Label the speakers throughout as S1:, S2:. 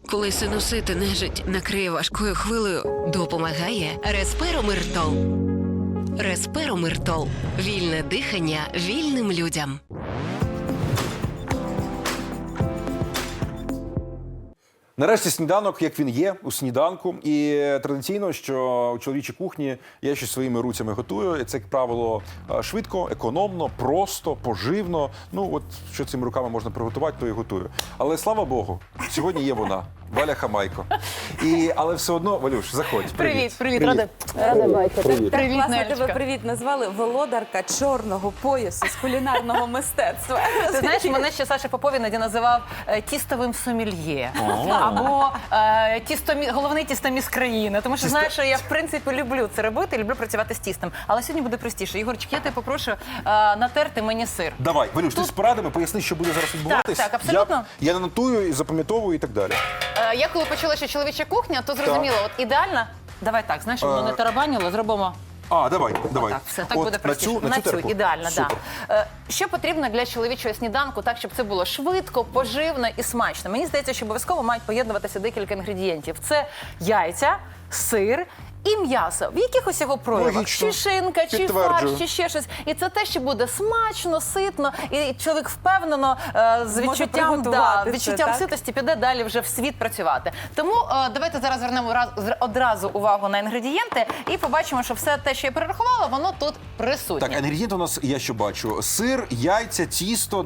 S1: Коли синусити нежить накриє важкою хвилею,
S2: Допомагає Респиромиртол. Респиромиртол. Вільне дихання вільним людям.
S3: Нарешті сніданок, як він є, у сніданку. І традиційно, що у чоловічій кухні я щось своїми руцями готую. І це, як правило, швидко, економно, просто, поживно. Ну, от що цими руками можна приготувати, то і готую. Але, слава Богу, сьогодні є вона, Валя Хамайко. Але все одно, Валюш, заходь.
S4: Привіт, рада бачити.
S3: Привіт.
S4: Привіт,
S5: Класно
S4: Нелечка.
S5: тебе привіт назвали володарка чорного поясу з кулінарного мистецтва.
S4: Ти знаєш, мене ще Саша Попов іноді називав тістовим сомельє. Або головний тістоміс країни. Тому що знаєш, що я в принципі люблю це робити, люблю працювати з тістом. Але сьогодні буде простіше. Ігорчик, я тебе попрошу натерти мені сир.
S3: Давай, Валюш, ти з порадами поясни, що буде зараз відбуватись.
S4: Так, абсолютно.
S3: Я нанотую і запам'ятовую і так далі.
S4: Я коли почула, що чоловіча кухня, то зрозуміло, от ідеально. Давай так, знаєш, щоб воно не тарабаніло, зробимо.
S3: Давай.
S4: Так, все, так
S3: От
S4: буде простіше.
S3: На цю терку?
S4: Ідеально,
S3: Супер.
S4: так. Що потрібно для чоловічого сніданку, так, щоб це було швидко, поживно і смачно? Мені здається, що обов'язково мають поєднуватися декілька інгредієнтів. Це яйця, сир і м'ясо. В якихось його проявах.
S3: Логічно.
S4: Чи шинка, чи
S3: Підтверджую.
S4: фарш, чи ще щось. І це те, що буде смачно, ситно, і чоловік впевнено з відчуттям,
S5: приготувати це, так?
S4: ситості піде далі вже в світ працювати. Тому давайте зараз звернемо одразу увагу на інгредієнти і побачимо, що все те, що я перерахувала, воно тут присутнє.
S3: Так, інгредієнти у нас, я що бачу, сир, яйця, тісто,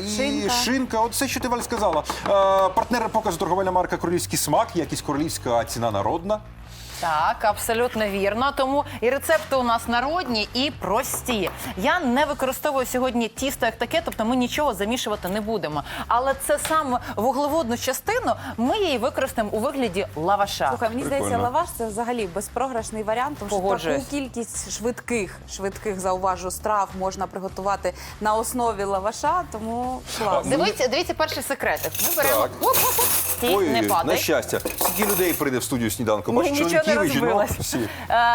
S3: і шинка. От все, що ти, Валь, сказала. Партнер показу торговельна марка «Королівський смак», якість королівська, а ціна народна.
S4: Так, абсолютно вірно. Тому і рецепти у нас народні і прості. Я не використовую сьогодні тісто як таке, тобто ми нічого замішувати не будемо. Але це саме вуглеводну частину ми її використаємо у вигляді лаваша.
S5: Слухай, мені здається,
S3: Прикольно.
S5: лаваш це взагалі безпрограшний варіант, тому що
S4: Погоджуюсь.
S5: таку кількість швидких, зауважу, страв можна приготувати на основі лаваша, тому класно.
S4: Дивіться перший секретик. Ми беремо.
S3: Так.
S4: Стій, не
S3: на
S4: падай.
S3: щастя. Скільки людей прийде в студію сніданку? Бачиш,
S4: Нічого не
S3: чоловіків і жінок
S4: розбилось.
S3: всі.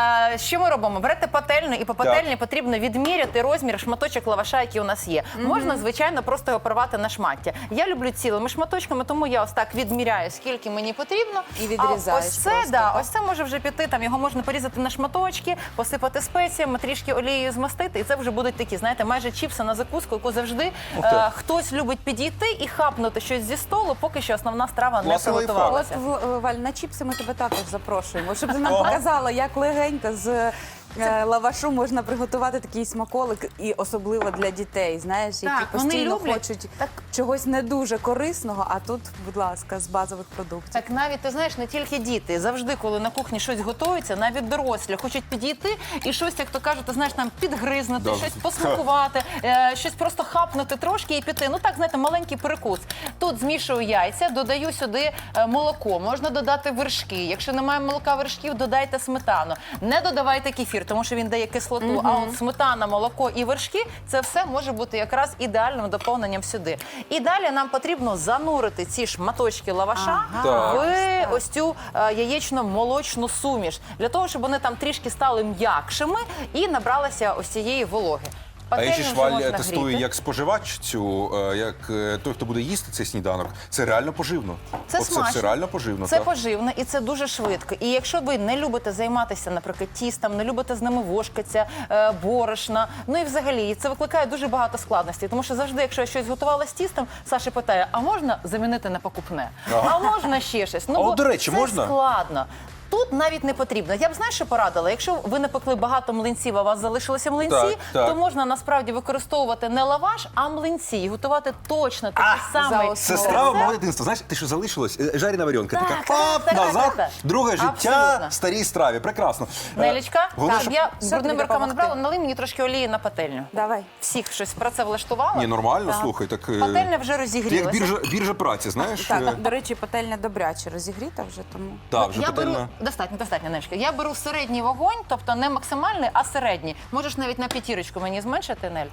S4: Що ми робимо? Берете пательню, і по пательні потрібно відміряти розмір шматочок лаваша, який у нас є. Можна, звичайно, просто його порвати на шмаття. Я люблю цілими шматочками, тому я ось так відміряю, скільки мені потрібно.
S5: І відрізаєш
S4: А ось це,
S5: просто, так?
S4: ось це може вже піти, там його можна порізати на шматочки, посипати спеціями, трішки олією змастити, і це вже будуть такі, знаєте, майже чіпси на закуску, яку завжди хтось любить підійти і хапнути щось зі столу, поки що основна страва не
S3: Класний лайфхак.
S4: приготувалася.
S5: От, Валь, на чіпси ми тебе також запрошуємо, щоб ти нам показала, як легенько з лавашу можна приготувати такий смаколик, і особливо для дітей, знаєш, які
S4: Так, вони
S5: постійно
S4: люблять.
S5: хочуть чогось не дуже корисного, а тут, будь ласка, з базових продуктів.
S4: Так навіть, ти знаєш, не тільки діти. Завжди, коли на кухні щось готується, навіть дорослі хочуть підійти і щось, як то кажуть, ти знаєш, там підгризнути,
S3: Да.
S4: щось посмакувати, щось просто хапнути трошки і піти. Ну так, знаєте, маленький перекус. Тут змішую яйця, додаю сюди молоко, можна додати вершки. Якщо немає молока, вершків, додайте сметану. Не додавайте кефір, тому що він дає кислоту. А от сметана, молоко і вершки – це все може бути якраз ідеальним доповненням сюди. І далі нам потрібно занурити ці шматочки лаваша
S3: Так.
S4: в ось цю яєчно-молочну суміш, для того, щоб вони там трішки стали м'якшими і набралися ось цієї вологи.
S3: А я ще
S4: Пательню
S3: ж,
S4: вже
S3: Валь,
S4: можна
S3: тестую
S4: гріти.
S3: як споживач цю, як той, хто буде їсти цей сніданок. Це реально поживно.
S4: Це
S3: Оце
S4: смачно.
S3: все реально поживно.
S4: Це
S3: так.
S4: поживно і це дуже швидко. І якщо ви не любите займатися, наприклад, тістом, не любите з ними вошкатися, борошна, ну і взагалі це викликає дуже багато складностей. Тому що завжди, якщо я щось готувала з тістом, Саша питає, а можна замінити на покупне? А можна ще щось? Ну,
S3: А от,
S4: бо
S3: до речі,
S4: це
S3: можна?
S4: складно. Тут навіть не потрібно. Я б, знаєш, що порадила? Якщо ви не пекли багато млинців, а у вас залишилися млинці,
S3: Так.
S4: то можна насправді використовувати не лаваш, а млинці. І готувати точно такий самий.
S3: Це страва мого дитинства. Знаєш, ти що залишилось? Жарена варіонка.
S4: Так,
S3: Така
S4: так, так,
S3: назад,
S4: так.
S3: друге життя
S4: Абсолютно.
S3: старій страві. Прекрасно.
S4: Нелічка,
S3: Головне,
S4: так,
S3: щоб-
S4: я
S5: Що
S4: брудними
S5: тобі
S4: руками не брала,
S5: допомогти?
S4: налий мені трошки олії на пательню.
S5: Давай.
S4: Всіх щось про це влаштувала.
S3: Ні, нормально,
S4: Так.
S3: слухай. Так,
S4: Пательня вже
S3: ти як
S4: розігрілася.
S3: біржа праці, знаєш?
S5: Так, до речі, пательня добряче розігріта вже, тому...
S3: Так, вже
S4: Я
S3: пательня.
S4: беру достатньо, Нелічка. Я беру середній вогонь, тобто не максимальний, а середній. Можеш навіть на п'ятірочку мені зменшити, Нель.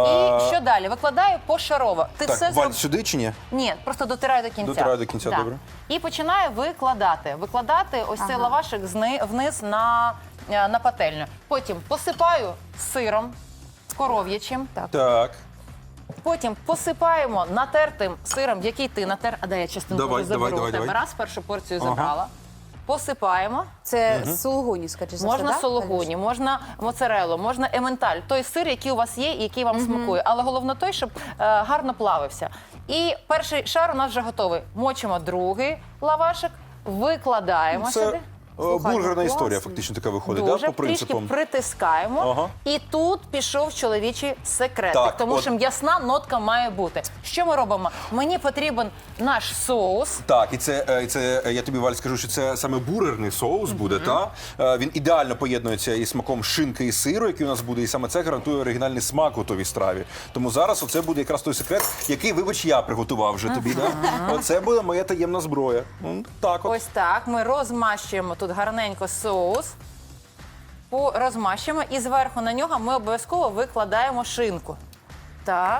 S4: І що далі? Викладаю пошарово. Ти все
S3: Так, Валь,
S4: зроб...
S3: сюди чи ні?
S4: Ні, просто дотираю до кінця.
S3: Дотираю до кінця,
S4: Да.
S3: добре.
S4: І починаю викладати. Викладати ось цей лавашик вниз на пательню. Потім посипаю сиром коров'ячим.
S3: Так.
S4: Потім посипаємо натертим сиром, який ти натер. А дай я частинку
S3: Давай,
S4: вже заберу
S3: давай,
S4: у тебе.
S3: давай.
S4: Раз, першу порцію забрала. Посипаємо.
S5: Це сулугуні, скажи, за
S4: Можна
S5: все, да,
S4: сулугуні,
S5: Валюш?
S4: можна моцареллу, можна ементаль. Той сир, який у вас є і який вам смакує. Але головне той, щоб гарно плавився. І перший шар у нас вже готовий. Мочимо другий лавашик, викладаємо сюди.
S3: Бургерна
S5: класно.
S3: історія фактично така виходить,
S4: Дуже
S3: да, по принципам.
S4: трішки притискаємо.
S3: Ага.
S4: І тут пішов чоловічий секретик,
S3: Так,
S4: тому
S3: от-
S4: що м'ясна нотка має бути. Що ми робимо? Мені потрібен наш соус.
S3: Так, і це я тобі, Валь, скажу, що це саме бургерний соус буде, та? Він ідеально поєднується із смаком шинки і сиру, який у нас буде, і саме це гарантує оригінальний смак готовій страві. Тому зараз оце буде якраз той секрет, який, вибач, я приготував вже тобі, да? Оце буде моя таємна зброя. Так от.
S4: Ось так. Ми розмащуємо тут гарненько соус. Розмащуємо і зверху на нього ми обов'язково викладаємо шинку. Так.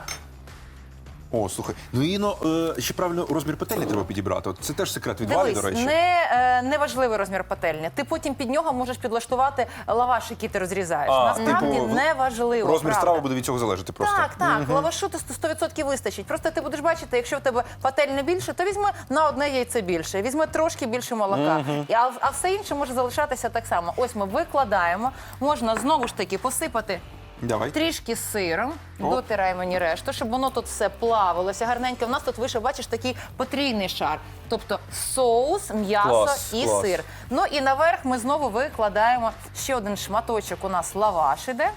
S3: О, слухай, ну і ще правильно розмір пательні треба підібрати. От це теж секрет від Валі, до
S4: Дивись,
S3: речі.
S4: не важливий розмір пательні. Ти потім під нього можеш підлаштувати лаваш, який ти розрізаєш. Насправді
S3: типу,
S4: не важливо.
S3: Розмір
S4: правда.
S3: страви буде від цього залежати просто.
S4: Так, лавашу то 100% вистачить. Просто ти будеш бачити, якщо в тебе пательня більше, то візьми на одне яйце більше, візьми трошки більше молока. А все інше може залишатися так само. Ось ми викладаємо, можна знову ж таки посипати
S3: Давай.
S4: трішки сиром, дотираємо мені решту, щоб воно тут все плавилося гарненько. У нас тут вийшов, бачиш, такий потрійний шар. Тобто соус, м'ясо
S3: Клас,
S4: і
S3: клас.
S4: сир. Ну і наверх ми знову викладаємо ще один шматочок, у нас лаваш іде.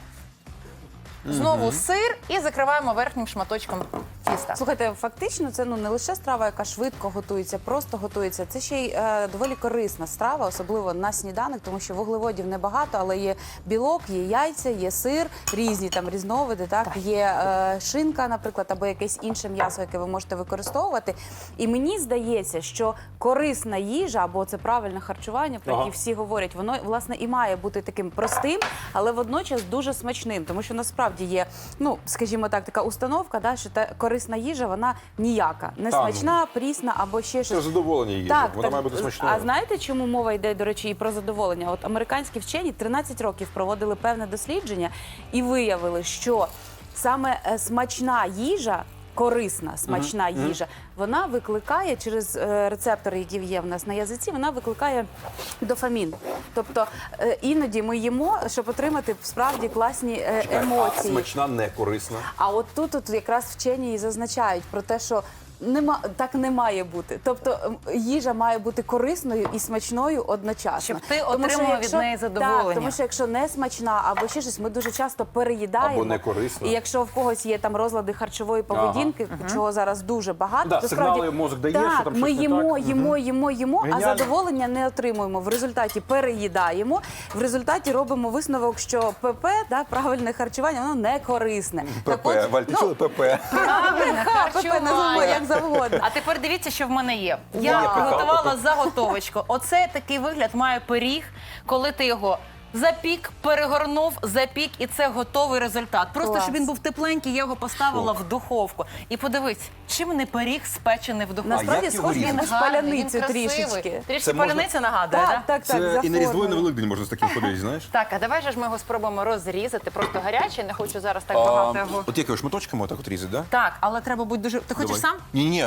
S4: Знову сир і закриваємо верхнім шматочком тіста.
S5: Слухайте, фактично це не лише страва, яка швидко готується, просто готується. Це ще й доволі корисна страва, особливо на сніданок, тому що вуглеводів небагато, але є білок, є яйця, є сир, різні там різновиди. Так є шинка, наприклад, або якесь інше м'ясо, яке ви можете використовувати. І мені здається, що корисна їжа або це правильне харчування, про яке всі говорять, воно власне і має бути таким простим, але водночас дуже смачним, тому що насправді є, ну скажімо так, така установка, да, що та корисна їжа, вона ніяка, не смачна, прісна або ще
S3: Це
S5: щось.
S3: задоволення їжі. Вона має бути смачною.
S5: А знаєте, чому мова йде, до речі, і про задоволення? От американські вчені 13 років проводили певне дослідження і виявили, що саме смачна їжа, корисна, смачна їжа, вона викликає через рецептори, які є в нас на язиці, вона викликає дофамін. Тобто іноді ми їмо, щоб отримати справді класні емоції.
S3: Смачна, не корисна.
S5: А от тут якраз вчені і зазначають про те, що так не має бути. Тобто їжа має бути корисною і смачною одночасно.
S4: Щоб ти
S5: Тому що
S4: отримував від неї задоволення.
S5: Так, тому що якщо не смачна або ще щось, ми дуже часто переїдаємо.
S3: Або не корисна.
S5: І якщо в когось є там розлади харчової поведінки, чого зараз дуже багато,
S3: Да,
S5: то
S3: сигнали
S5: справді
S3: мозок дає,
S5: так,
S3: що там
S5: ми
S3: щось не
S5: їмо,
S3: так.
S5: їмо, а
S3: Геніально.
S5: задоволення не отримуємо. В результаті переїдаємо, в результаті робимо висновок, що ПП, да, правильне харчування, воно не корисне.
S3: ПП, Валь, ти чула ПП?
S4: Правильне
S5: ПП називаємо як завгодно.
S4: А тепер дивіться, що в мене є.
S3: Є
S4: Я
S3: пекалка.
S4: приготувала заготовочку. Оце такий вигляд має пиріг, коли ти його запік, перегорнув, запік, і це готовий результат. Просто,
S5: Клас.
S4: щоб він був тепленький, я його поставила в духовку. І подивись, чим не пиріг спечений в духовці.
S5: Насправді
S3: як його
S5: схоже на
S3: різати?
S5: паляницю
S4: він красивий.
S5: трішечки.
S4: Трішки
S3: Це можна-
S4: паляниця нагадує,
S5: Так,
S4: так?
S5: так, так,
S3: Це
S5: за
S3: і на Різдво, і на
S5: формою.
S3: Великдень можна з таким ходити, знаєш?
S4: Так, а давай же ж ми його спробуємо розрізати. Просто гарячий, не хочу зараз так багато його.
S3: От якими шматочками отак от різати, да?
S4: Так, але треба бути дуже... Ти хочеш сам?
S3: Ні,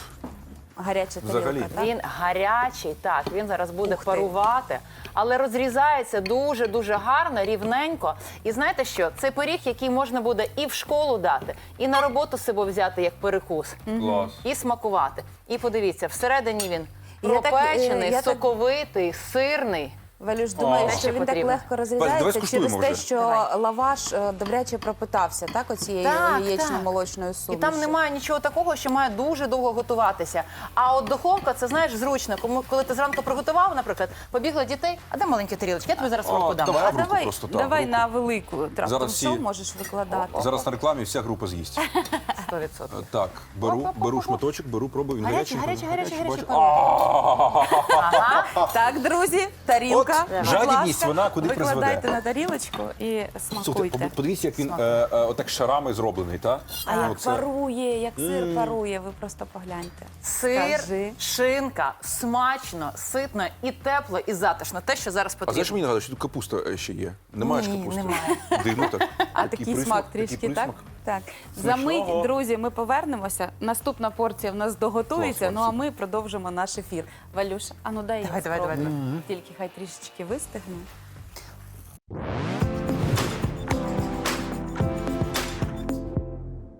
S5: Гаряча
S3: Взагалі.
S5: тарілка, так?
S4: Він гарячий, так, він зараз буде парувати, але розрізається дуже-дуже гарно, рівненько. І знаєте що? Це пиріг, який можна буде і в школу дати, і на роботу себе взяти як перекус,
S3: клас.
S4: і смакувати. І подивіться, всередині він
S5: Я так,
S4: пропечений,
S5: я так-
S4: соковитий, сирний.
S5: Валюш, думаю,
S4: Те,
S5: що
S4: що
S5: він так
S4: потрібно.
S5: легко
S3: давай
S5: розрізається
S3: скуштуємо
S5: через те,
S3: вже.
S5: що лаваш добряче пропитався, так, оцією
S4: Так,
S5: яєчно-молочною
S4: І
S5: сумішю.
S4: там немає нічого такого, що має дуже довго готуватися. А от духовка, це, знаєш, зручно. Коли ти зранку приготував, наприклад, побігли дітей, а де маленькі тарілочки? Я тобі зараз в руку дам.
S3: давай.
S5: А
S3: в руку
S5: давай,
S3: просто, так,
S5: давай
S3: в руку.
S5: на велику
S3: Зараз
S5: раптом
S3: всі-
S5: що можеш викладати.
S3: Зараз на рекламі вся група з'їсть.
S4: 100%.
S3: Так, беру шматочок, пробую, він
S4: Гарячий,
S3: гарячий.
S4: гарячий, гарячий,
S3: бачу.
S5: Так, друзі, тарілка.
S3: От
S5: будь
S3: жадібність,
S5: ласка,
S3: вона куди
S5: викладайте
S3: призведе.
S5: на тарілочку і
S3: Слухайте,
S5: смакуйте.
S3: подивіться, як він отак шарами зроблений, так?
S5: А як парує, як сир парує, ви просто погляньте.
S4: Сир,
S5: Скажи.
S4: шинка, смачно, ситно і тепло, і затишно. Те, що зараз
S3: А знаєш,
S4: потрібно.
S3: мені нагадує, що тут капуста ще є. Немає ж
S4: Ні,
S3: капусти?
S4: немає.
S3: Дивно так.
S5: А такий смак трішки, так? Так, за
S3: Смачного.
S5: мить, друзі, ми повернемося. Наступна порція в нас доготується,
S3: Клас,
S5: ну а ми продовжимо наш ефір. Валюша, а ну дай я
S4: Давай, давай,
S5: спробую.
S4: давай.
S5: Тільки хай трішечки вистигне.